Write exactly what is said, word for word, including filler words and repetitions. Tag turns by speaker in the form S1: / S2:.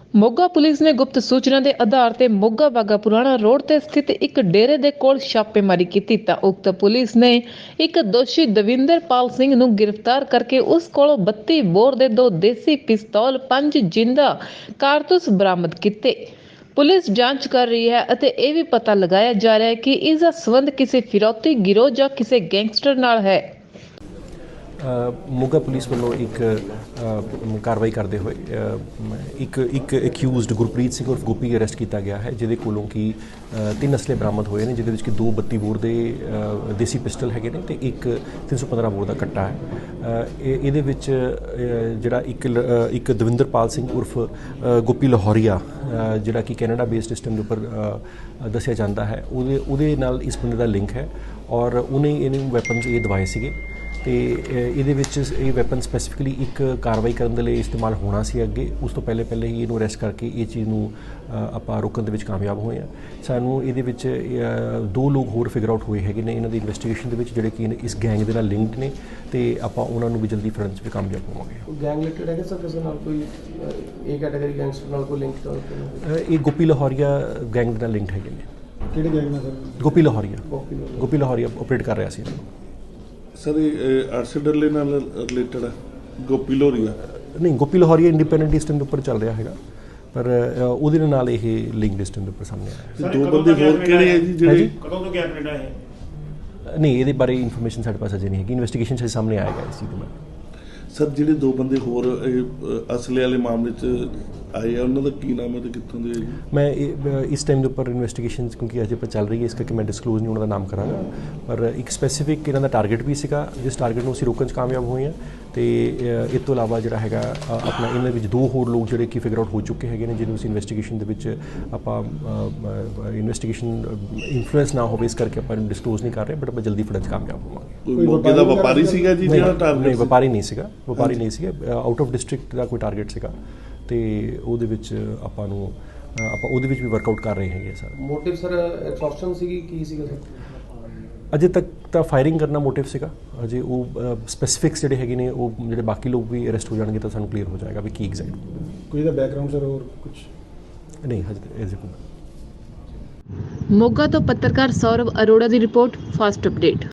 S1: Moga police ਨੇ ਗੁਪਤ ਸੂਚਨਾ ਦੇ ਆਧਾਰ ਤੇ ਮੋਗਾ ਬਾਗਾ ਪੁਰਾਣਾ ਰੋਡ ਤੇ ਸਥਿਤ ਇੱਕ ਡੇਰੇ ਦੇ ਕੋਲ ਛਾਪੇਮਾਰੀ ਕੀਤੀ ਤਾਂ ਉਕਤ ਪੁਲਿਸ ਨੇ ਇੱਕ ਦੋਸ਼ੀ ਦਵਿੰਦਰਪਾਲ ਸਿੰਘ ਨੂੰ ਗ੍ਰਿਫਤਾਰ ਕਰਕੇ ਉਸ ਕੋਲੋਂ ਬੱਤੀ ਬੋਰ ਦੇ ਦੋ ਦੇਸੀ ਪਿਸਤੌਲ ਪੰਜ ਜਿੰਦਾ ਕਾਰਤੂਸ ਬਰਾਮਦ ਕੀਤੇ। ਪੁਲਿਸ ਜਾਂਚ ਕਰ ਰਹੀ ਹੈ ਅਤੇ ਇਹ ਵੀ ਪਤਾ ਲਗਾਇਆ ਜਾ ਰਿਹਾ ਹੈ ਕਿ ਇਸ ਦਾ ਸੰਬੰਧ ਕਿਸੇ ਫਿਰੌਤੀ ਗਿਰੋਹ ਜਾਂ ਕਿਸੇ ਗੈਂਗਸਟਰ ਨਾਲ ਹੈ।
S2: ਮੋਗਾ ਪੁਲਿਸ ਵੱਲੋਂ ਇੱਕ ਕਾਰਵਾਈ ਕਰਦੇ ਹੋਏ ਇੱਕ ਇੱਕ ਐਕਿਊਜ਼ਡ ਗੁਰਪ੍ਰੀਤ ਸਿੰਘ ਉਰਫ ਗੋਪੀ ਅਰੈਸਟ ਕੀਤਾ ਗਿਆ ਹੈ, ਜਿਹਦੇ ਕੋਲੋਂ ਕਿ ਤਿੰਨ ਅਸਲੇ ਬਰਾਮਦ ਹੋਏ ਨੇ, ਜਿਹਦੇ ਵਿੱਚ ਕਿ ਦੋ ਬੱਤੀ ਬੋਰ ਦੇ ਦੇਸੀ ਪਿਸਟਲ ਹੈਗੇ ਨੇ ਤੇ ਇੱਕ ਤਿੰਨ ਸੌ ਪੰਦਰਾਂ ਬੋਰ ਦਾ ਕੱਟਾ ਹੈ। ਇਹਦੇ ਵਿੱਚ ਜਿਹੜਾ ਇੱਕ ਇੱਕ ਦਵਿੰਦਰਪਾਲ ਸਿੰਘ ਉਰਫ ਗੋਪੀ ਲਾਹੌਰੀਆ, ਜਿਹੜਾ ਕਿ ਕੈਨੇਡਾ ਬੇਸਡ ਸਿਸਟਮ ਦੇ ਉੱਪਰ ਦੱਸਿਆ ਜਾਂਦਾ ਹੈ, ਉਹਦੇ ਉਹਦੇ ਨਾਲ ਇਸ ਬੰਦੇ ਦਾ ਲਿੰਕ ਹੈ ਔਰ ਉਹਨੇ ਇਹਨੂੰ ਵੈਪਨਸ ਇਹ ਦਵਾਏ ਸੀਗੇ ਤੇ ਇਹਦੇ ਵਿੱਚ ਇਹ ਵੈਪਨ ਸਪੈਸੀਫਿਕਲੀ ਇੱਕ ਕਾਰਵਾਈ ਕਰਨ ਦੇ ਲਈ ਇਸਤੇਮਾਲ ਹੋਣਾ ਸੀ। ਅੱਗੇ ਉਸ ਤੋਂ ਪਹਿਲੇ ਪਹਿਲੇ ਹੀ ਇਹਨੂੰ ਅਰੈਸਟ ਕਰਕੇ ਇਹ ਚੀਜ਼ ਨੂੰ ਆਪਾਂ ਰੋਕਣ ਦੇ ਵਿੱਚ ਕਾਮਯਾਬ ਹੋਏ ਹਾਂ। ਸਾਨੂੰ ਇਹਦੇ ਵਿੱਚ ਦੋ ਲੋਕ ਹੋਰ ਫਿਗਰ ਆਊਟ ਹੋਏ ਹੈਗੇ ਨੇ ਇਹਨਾਂ ਦੀ ਇਨਵੈਸਟੀਗੇਸ਼ਨ ਦੇ ਵਿੱਚ, ਜਿਹੜੇ ਕਿ ਇਸ ਗੈਂਗ ਦੇ ਨਾਲ ਲਿੰਕਡ ਨੇ ਤੇ ਆਪਾਂ ਉਹਨਾਂ ਨੂੰ ਵੀ ਜਲਦੀ ਫੜਨ 'ਚ ਵੀ ਕਾਮਯਾਬ ਹੋਵਾਂਗੇ।
S3: ਗੈਂਗ ਰਿਲੇਟਡ ਹੈਗਾ ਸਰ ਕਿਸੇ ਨਾਲ ਕੋਈ ਇਹ ਕੈਟਾਗਰੀ ਗੈਂਗਸਟਰ ਨਾਲ ਕੋਈ ਲਿੰਕ?
S2: ਇਹ ਗੋਪੀ ਲਾਹੌਰੀਆ ਗੈਂਗ ਦੇ ਨਾਲ ਲਿੰਕਡ ਹੈਗੇ ਨੇ।
S3: ਕਿਹੜੇ ਗੈਂਗ ਨਾਲ ਸਰ?
S2: ਗੋਪੀ ਲਾਹੌਰੀਆ ਗੋਪੀ ਲਾਹੌਰੀਆ ਆਪਰੇਟ ਕਰ ਰਿਹਾ ਸੀ
S4: ਸਰ। ਇਹ ਆਰਸੀਡਰਲੇ ਨਾਲ ਰਿਲੇਟਡ ਹੈ ਗੋਪੀ ਲਾਹੌਰੀਆ?
S2: ਨਹੀਂ, ਗੋਪੀ ਲਾਹੌਰੀਆ ਇੰਡੀਪੈਂਡੈਂਟ ਸਿਸਟਮ ਦੇ ਉੱਪਰ ਚੱਲ ਰਿਹਾ ਹੈਗਾ, ਪਰ ਉਹਦੇ ਨਾਲ ਇਹ ਲਿੰਕ ਸਿਸਟਮ ਦੇ ਉੱਪਰ ਸਾਹਮਣੇ ਆਇਆ।
S4: ਦੋ ਬੰਦੇ ਹੋਰ ਕਿਹੜੇ ਹੈ ਜੀ ਜਿਹੜੇ
S5: ਕਦੋਂ ਤੋਂ ਕੈਨੇਡਾ ਹੈ?
S2: ਨਹੀਂ, ਇਹਦੇ ਬਾਰੇ ਇਨਫੋਰਮੇਸ਼ਨ ਸਾਡੇ ਪਾਸ ਅਜੇ ਨਹੀਂ ਹੈਗੀ, ਇਨਵੈਸਟੀਗੇਸ਼ਨ 'ਚ ਸਾਹਮਣੇ ਆਏਗਾ ਇਸ ਚੀਜ਼ ਦਾ।
S4: ਸਰ ਜਿਹੜੇ ਦੋ ਬੰਦੇ ਹੋਰ ਅਸਲੇ ਵਾਲੇ ਮਾਮਲੇ 'ਚ ਆਏ ਆ, ਉਹਨਾਂ ਦਾ ਕੀ ਨਾਮ ਹੈ ਤੇ ਕਿੱਥੋਂ ਦੇ?
S2: ਮੈਂ ਇਸ ਟਾਈਮ ਦੇ ਉੱਪਰ ਇਨਵੈਸਟੀਗੇਸ਼ਨ ਕਿਉਂਕਿ ਅਜੇ ਪਰ ਚੱਲ ਰਹੀ ਹੈ, ਇਸ ਕਰਕੇ ਮੈਂ ਡਿਸਕਲੋਜ਼ ਨਹੀਂ ਉਹਨਾਂ ਦਾ ਨਾਮ ਕਰਾਂਗਾ, ਪਰ ਇੱਕ ਸਪੈਸੀਫਿਕ ਇਹਨਾਂ ਦਾ ਟਾਰਗੇਟ ਵੀ ਸੀਗਾ, ਜਿਸ ਟਾਰਗੇਟ ਨੂੰ ਅਸੀਂ ਰੋਕਣ 'ਚ ਕਾਮਯਾਬ ਹੋਏ ਹਾਂ। ਤੇ ਇਸ ਤੋਂ ਇਲਾਵਾ ਜਿਹੜਾ ਹੈਗਾ ਆਪਣਾ ਇਹਨਾਂ ਵਿੱਚ ਦੋ ਹੋਰ ਲੋਕ ਜਿਹੜੇ ਕਿ ਫਿਗਰ ਆਊਟ ਹੋ ਚੁੱਕੇ ਹੈਗੇ ਨੇ, ਜਿਹਨੂੰ ਅਸੀਂ ਇਨਵੈਸਟੀਗੇਸ਼ਨ ਦੇ ਵਿੱਚ ਆਪਾਂ ਇਨਵੈਸਟੀਗੇਸ਼ਨ ਇਨਫਲੂਐਂਸ ਨਾ ਹੋਵੇ, ਇਸ ਕਰਕੇ ਆਪਾਂ ਇਹਨੂੰ ਡਿਸਕਲੋਜ਼ ਨਹੀਂ ਕਰ ਰਹੇ, ਬਟ ਆਪਾਂ ਜਲਦੀ ਫੜਨ 'ਚ ਕਾਮਯਾਬ ਹੋਵਾਂਗੇ।
S4: ਕੋਈ ਮੌਕੇ ਦਾ ਵਪਾਰੀ ਸੀਗਾ ਜੀ ਜਿਹੜਾ ਟਾਰਗੇਟ?
S2: ਨਹੀਂ, ਵਪਾਰੀ ਨਹੀਂ ਸੀਗਾ, ਵਪਾਰੀ ਨਹੀਂ ਸੀਗਾ, ਆਊਟ ਆਫ ਡਿਸਟ੍ਰਿਕਟ ਦਾ ਕੋਈ ਟਾਰਗੇਟ ਸੀਗਾ ਤੇ ਉਹਦੇ ਵਿੱਚ ਆਪਾਂ ਨੂੰ ਆਪਾਂ ਉਹਦੇ ਵਿੱਚ ਵੀ ਵਰਕਆਊਟ ਕਰ ਰਹੇ ਹੈਗੇ ਸਰ।
S3: ਮੋਟਿਵ ਸਰ ਐਕਸਟੋਰਸ਼ਨ ਸੀਗੀ ਕੀ ਸੀਗਾ ਸਰ?
S2: ਅਜੇ ਤੱਕ ਤਾਂ ਫਾਇਰਿੰਗ ਕਰਨਾ ਮੋਟਿਵ ਸੀਗਾ, ਅਜੇ ਉਹ ਸਪੈਸੀਫਿਕਸ ਜਿਹੜੇ ਹੈਗੇ ਨੇ ਉਹ ਜਿਹੜੇ ਬਾਕੀ ਲੋਕ ਵੀ ਅਰੈਸਟ ਹੋ ਜਾਣਗੇ ਤਾਂ ਸਾਨੂੰ ਕਲੀਅਰ ਹੋ ਜਾਏਗਾ ਵੀ ਕੀ ਐਗਜ਼ੈਕਟ
S3: ਕੋਈ ਦਾ ਬੈਕਗ੍ਰਾਉਂਡ ਸਰ ਹੋਰ ਕੁਝ
S2: ਨਹੀਂ ਹਜੇ ਐਜ਼
S1: ਮੋਗਾ ਤੋਂ ਪੱਤਰਕਾਰ ਸੌਰਵ ਅਰੋੜਾ ਦੀ ਰਿਪੋਰਟ, ਫਾਸਟ ਅਪਡੇਟ।